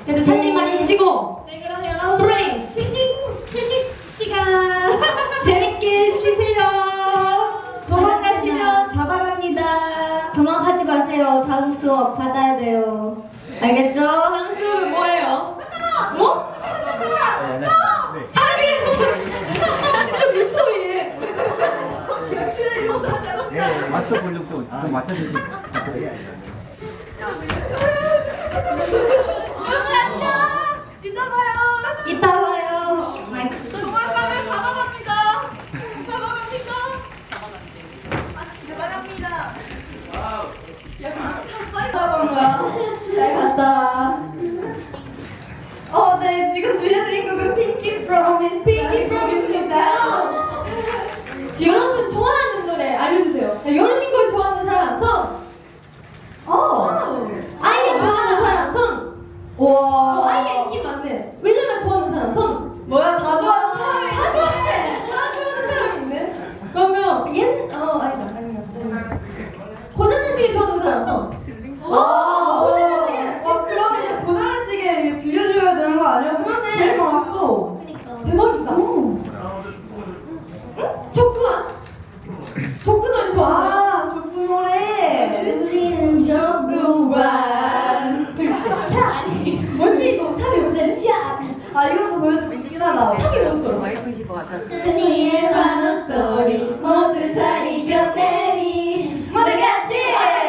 그래도 사진 많이 찍고. 네, 그럼 여러분 브레인 회식 시간. 재밌게 쉬세요. 도망가시면 잡아갑니다. 도망가지 마세요. 다음 수업 받아야 돼요. 알겠죠? 다음 수업은 뭐예요? 뭐? 진짜 무서워해. 맞춰 보려고 좀 맞춰주세요. 이따 봐요. 마이크. 도망가면 잡아갑니다. 잘 봤다. 네, 지금 들려드린 곡은 핑키 프로미스인데요. 여러분 좋아하는 노래 알려주세요. 여름인 걸 좋아하는 사람 손. 아이유 좋아하는 사람 손. 와, 아이유 인기 많네. 을랄라 좋아하는 사람 손. 뭐야, 다 좋아하는 사람이 다 좋아해. 다 좋아하는 사람이 있네. 그러면 아니다. 고전지식 좋아하는 사람 손. 그럼 이제 고자란찌개 들려줘야 되는 거 아니야? 그러네. 제일 많았어. 그니까. 대박이다. 척구야? 척구 노래 좋아하세요? 족구 노래. 우리는 족구반. 뭔지 이거 사실 이것도 보여주고 싶긴 하다. 사기 못 들어. 순이의 반응 소리 모두 다 이겨내리 모두 같이.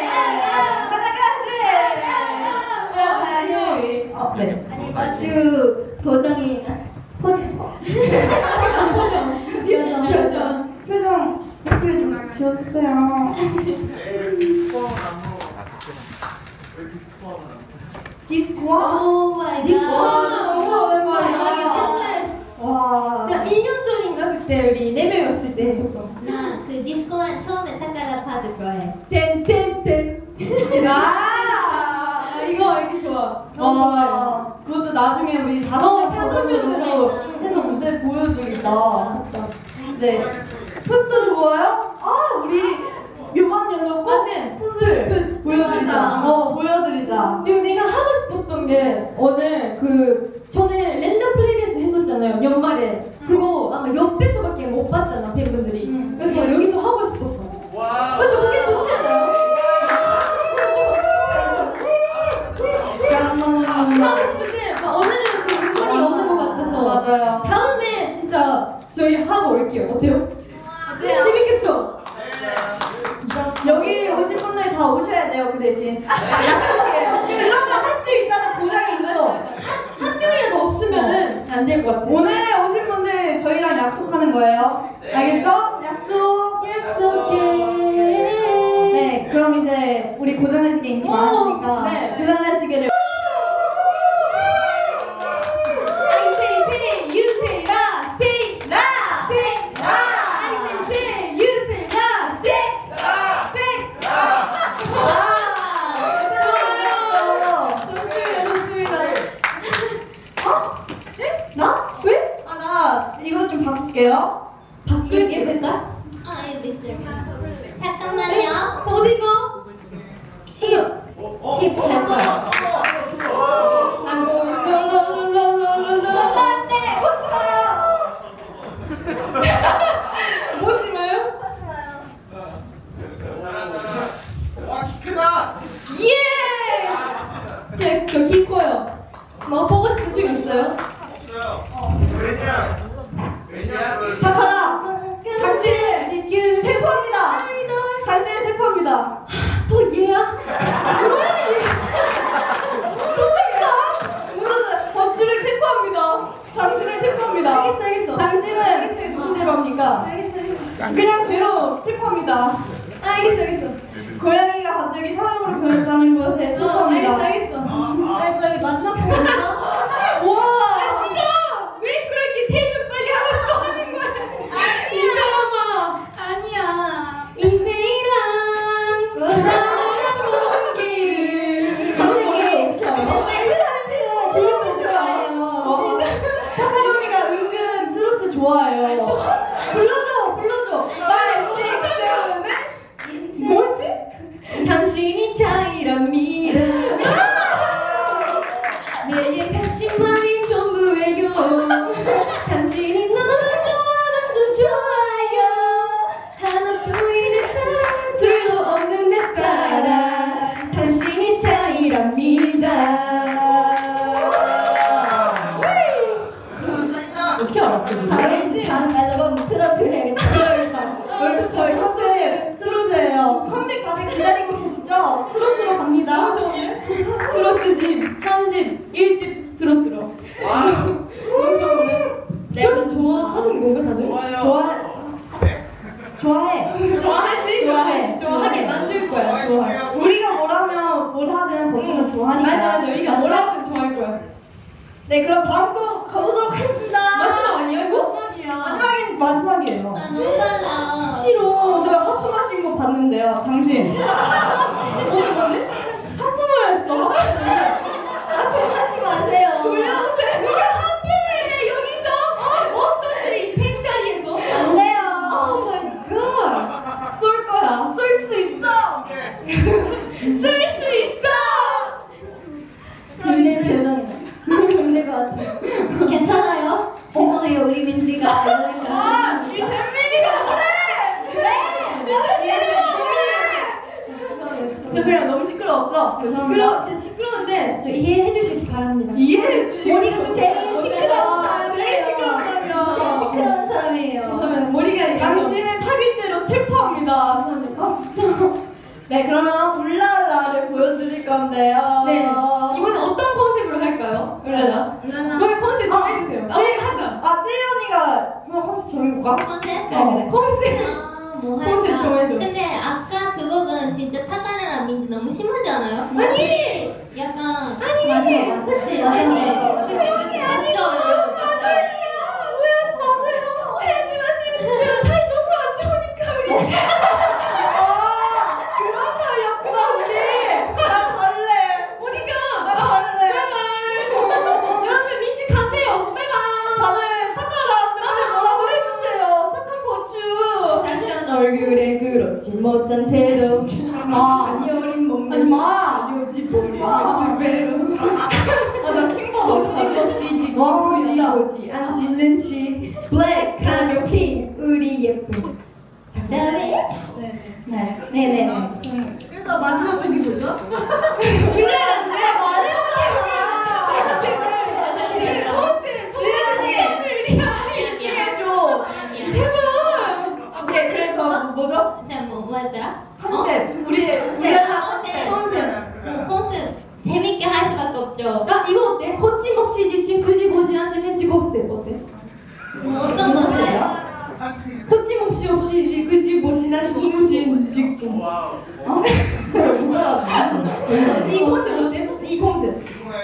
네. 아니 마주 보정이나 표정 표정 예쁘게 좀 지어주세요. 디스코아? 오 마이 디스코아 너무 오랜만이야. 와. 진짜 1년 전인가 그때 우리 4명이었을 때 했었던 나그 디스코한 처음에 타카라 파드 좋아해. 땡땡땡 이거 이렇게 좋아. 너무 좋아요. 그것도 나중에 우리 어, 다섯 다섯 명으로 명으로 해서 무대 보여드리자. 좋다. 이제 풋도 좋아요? 우리 묘만 연줬고 맞네. 풋을 보여드리자. 맞아. 보여드리자. 그리고 내가 하고 싶었던 게 오늘 전에 랜덤 플레이데스 했었잖아요. 연말에 그거 아마 옆에서밖에 못 봤잖아 팬분들이. 그래서 여기서 하고 싶었어. 맞죠? 그게 좋지 않아요? 하고 싶은데 오늘은 그 물건이 없는 것 같아서 맞아요. 다음에 진짜 저희 하고 올게요. 어때요? 어때요? 재밌겠죠? 여기 오신 분들 다 오셔야 돼요. 그 대신 약속해요. 이런 거 할 수 있다는 보장이 있어. 한 명이라도 없으면은 안 될 것 같아요. 오늘 오신 분들 저희랑 약속하는 거예요. 알겠죠? 약속. 약속해. 네, 그럼 이제 우리 고장난시계 인기 오, 많으니까 네. 고장난시계를 I say say, you say la, say la, say la. I say say, you say la, say la, say la. 좋아요. 좋습니다. 네? 나? 왜? 나 이거 좀 바꿀게요. 예쁠까? 이거 밑줄. 잠깐만요. 어디가? 칩잘 거야. 안고 쏠라라라라라라. 보지 마요. 보지 마요. 예! 저키 커요. 뭐 보고 싶은 춤 있어요? 박하나, 당신을 체포합니다. 당신을 체포합니다. 또 얘야? 뭐야 얘? 무슨 법주를 체포합니다. 당신을 체포합니다. 알겠어. 당신은 무슨 죄로 합니까? 알겠어. 그냥 죄로 체포합니다. 알겠어. 고양이가 갑자기 사람으로 변했다는 것에 체포합니다. 알겠어. 네, 저희 마지막 곡이죠? 와, 싫어! 왜 그렇게 태그 빨리 하고 싶어 하는 거야? 이 사람아! 아니야. 인생이란 고단한 길. 갑자기 맨날 트로트 좋아해요. 타카로니가 은근 트로트 좋아해요. 불러줘. 말식스는 뭐지? 당신이 차이랍니다. 내게 다시 말이 전부예요. 당신이 너를 좋아하면 좀 좋아요. 하나뿐인 내 사랑 둘도 없는 내 사랑 당신이 차이랍니다. 어떻게 알았어? 다음 앨범 트로트 해야겠다. 여러분 저희 컨셉 트로트예요. 컴백 다들 기다리고 계시죠? 트로트로 갑니다. 너무 좋은데? 트로트집, 한집, 1집 트로트로. 너무 좋은데? 트로트 좋아하는 건가 다들? 좋아해. 좋아하게 만들 거야. 좋아해. 우리가 뭐라면 뭘 하든 버티는 좋아하니까. 맞아. 우리가 뭐라든 좋아할 거야. 네, 그럼 다음 곡 가보도록 하겠습니다. 마지막 아니야 이거? 마지막이에요. 아 너무 빨라. 싫어. 저 하품하신 거 봤는데요, 당신. 뭔데? 하품을 했어. 짜증하지 마세요. 졸려오세요. 누가 하품을 해 여기서? 어떤 이 팬자리에서? 안 돼요. 오 마이 갓. 쏠 거야. 쏠 수 있어. 쏠 수 있어. 힘든 표정이네. 힘들 것 같아. 괜찮아요? 죄송해요 우리 민지가 이러니까. 이 잼민이가 죄송해요. 너무 시끄러웠죠? 시끄러운데 저 이해해 주시기 바랍니다. 이해해 주시고. 머리가 좀 제일 시끄러운 사람이에요. 제일 시끄러운 제일 사람이야. 시끄러운 사람이에요. 머리가 당신의 사기죄로 슬퍼합니다. 아 진짜. 네, 그러면 울랄라를 보여드릴 건데요. 네. 이번에 어떤 컨셉으로 할까요? 울랄라. 이번에 컨셉 정해주세요. 하자. 제일 언니가 이번 컨셉 정해볼까? 컨셉? 네. 컨셉. 뭐 컨셉 할까? 정해줘. 근데 아까 두 곡은 진짜 타카네랑 민지 너무 심하지 않아요? 아니! 약간 아니! 맞아 그치? 맞지? 맞죠? 맞죠? 오해하지 마세요. 오해하지 마시면 진짜 사이 너무 안 좋으니까 우리. 그런 사이였구나 우리. 나 갈래. 어디가? 나 갈래. 바이바이. 여러분 민지 간대요. 바이바이. 다들 착하라. 다들 뭐라고 해주세요. 착한 버추. 잠깐 얼굴에 그렇지 못한 태도. 안 여린 몸매. 하지마. 요지 보리 마. 두 배로. 맞아 킹받아. 거침없이 직진 와, 보지 진짜. 보지 않지 눈치. 블랙 하늘 핑 우리 예쁜. savage. 네. 네네. 그래서 마지막 곡이 뭐죠? 지금 시간을 우리가 집중해줘. 제발. 오케이 그래서 뭐죠? 뭐 했더라? 컨셉. 우리의 컨셉. 울랄라 컨셉. 컨셉 재밌게 할 수밖에 없죠. 아 이거 어때? 거침없이 직진 그지 보지 않지 눈치 곱셈 어때? 뭐 어떤 것을? 거침없이 없이 그지 보지 않지 눈치 직진. 저못 알아듣겠어. 이 컨셉 어때? 이 컨셉.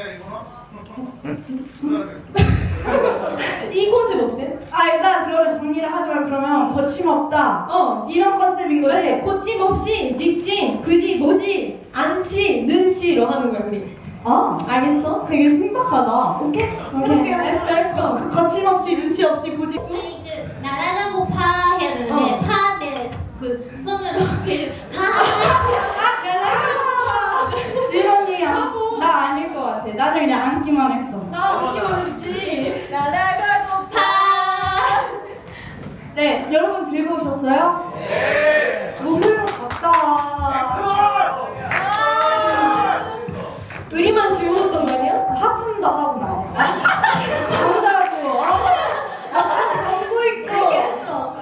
이 컨셉 어때? 일단 그러면 정리를 하지만 그러면 거침없다. 이런 컨셉인 거지. 그래 거침없이 직진 그지 뭐지 않지 눈치로 하는 거야 우리. 알겠어? 되게 신박하다. 오케이. Let's go, let's go. 그 거침없이 눈치 없이 굳이. 아니 그 날아가고 파 해야 되는데 파인데 그 손으로 걔를 파. 지원이야. 나 아닐 것 같아. 나는 그냥 앉기만 했어. 나 웃기만 했지. 날아가고 파. 네, 여러분 즐거우셨어요? 네. 목소리가 작다. 우리만 즐거웠던 거 아니야? 하품도 하고 막. 잠자고. 잠고 있고. 그렇게 했어.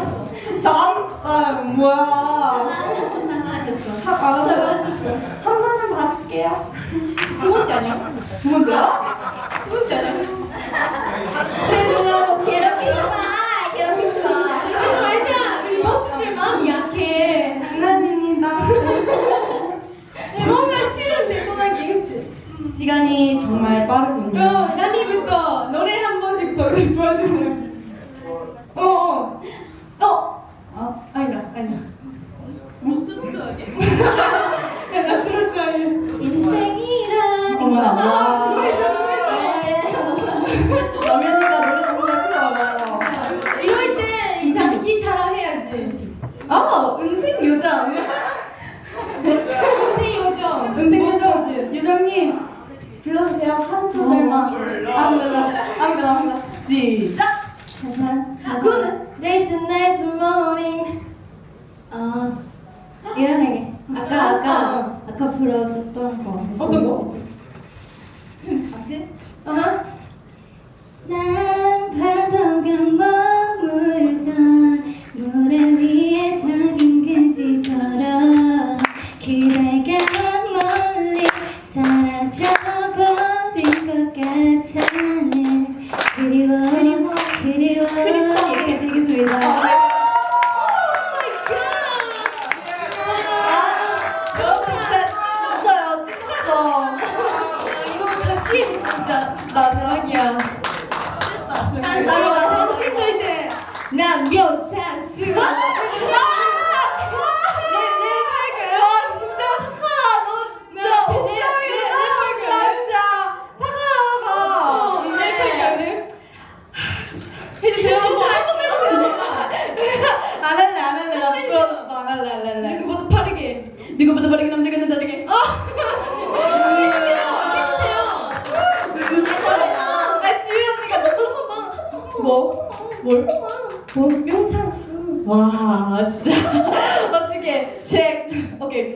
뭐야. 사과하셨어. 알았어. 사과하셨어. 한 번은 봐줄게요. 두 번째 아니야? 두 번째야? 두 번째 아니야? 제 누나가 괴롭히지 마. 괴롭히지 마. 그러지 말자. 우리 멋지들 마음이 약해. 장난입니다. 뭔가 싫은데 떠나기 그치? 시간이 정말 빠르군요. 그럼 나니부터 노래 한 번씩 더 보여주세요. 아니다. 뭐 트로트하게? 나 트로트하게. 인생이란 어머나, 와. 네. 라면이가 노래 너무 잘 불러요. 이럴 때 이 장기 자랑해야지. 음색 요정. 음색 요정. 음색 요정. 요정님 불러주세요. 한 엄청 잘 봐. 아무거나. 시작. 잠깐. 그거는 day to night to morning. 이거 해. 아까 불러줬던 거. 어떤 거? 아무튼. 아하. 난 파도가 머물던 모래 위에 적인 그지처럼 그대가 멀리 사라져버린 것 같아는 그리워 여기까지 하겠습니다. 저 진짜 찢었어. 이거 같이 해서 진짜 나락이야. 감사합니다. 방송도 이제 난 명산수. 진짜 착하다. 너 진짜 박하라가 이제 해주세요. 한번 해주세요. 안 할래. 나 부끄러워서 안 할래. 누구보다 빠르게 남들과는 다르게. 지휘 언니가 너무 뭘? 명산수. 와 진짜 어떻게 오케이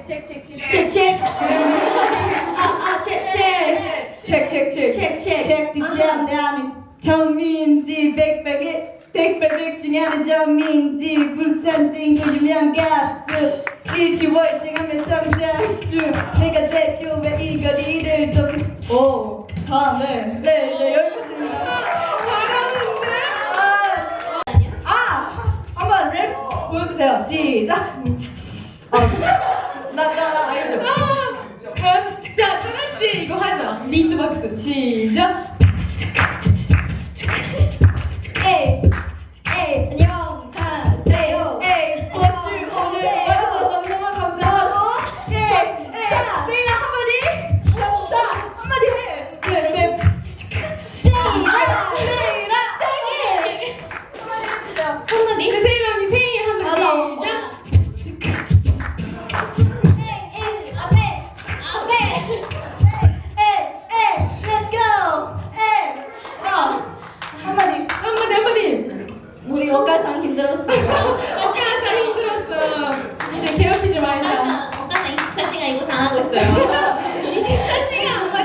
체크 디스야 나는 전민지 백발백중에 하는 전민지 부산 친구 유명 가수 일치월증하면 성장중 내가 대표의 이 거리를 오 다음에 네 여기까지입니다. 잘하는데? 한번 랩 보여주세요. 시작. 나 알죠. 자, 똑같이 이거 하자. 비트박스 시작. 안녕하세요. 꽃을 오늘 와줘서 너무너무 감사하고 세인아 한마디 한마디 해. 네. 한마디? 그 세인 언니 생일 한번 시작. 한마디. 우리 억가상 힘들었어요. 어깨가 힘들었어. 이제 괴롭히지 말자. 어까상 24시간 이거 당하고 있어요. 24시간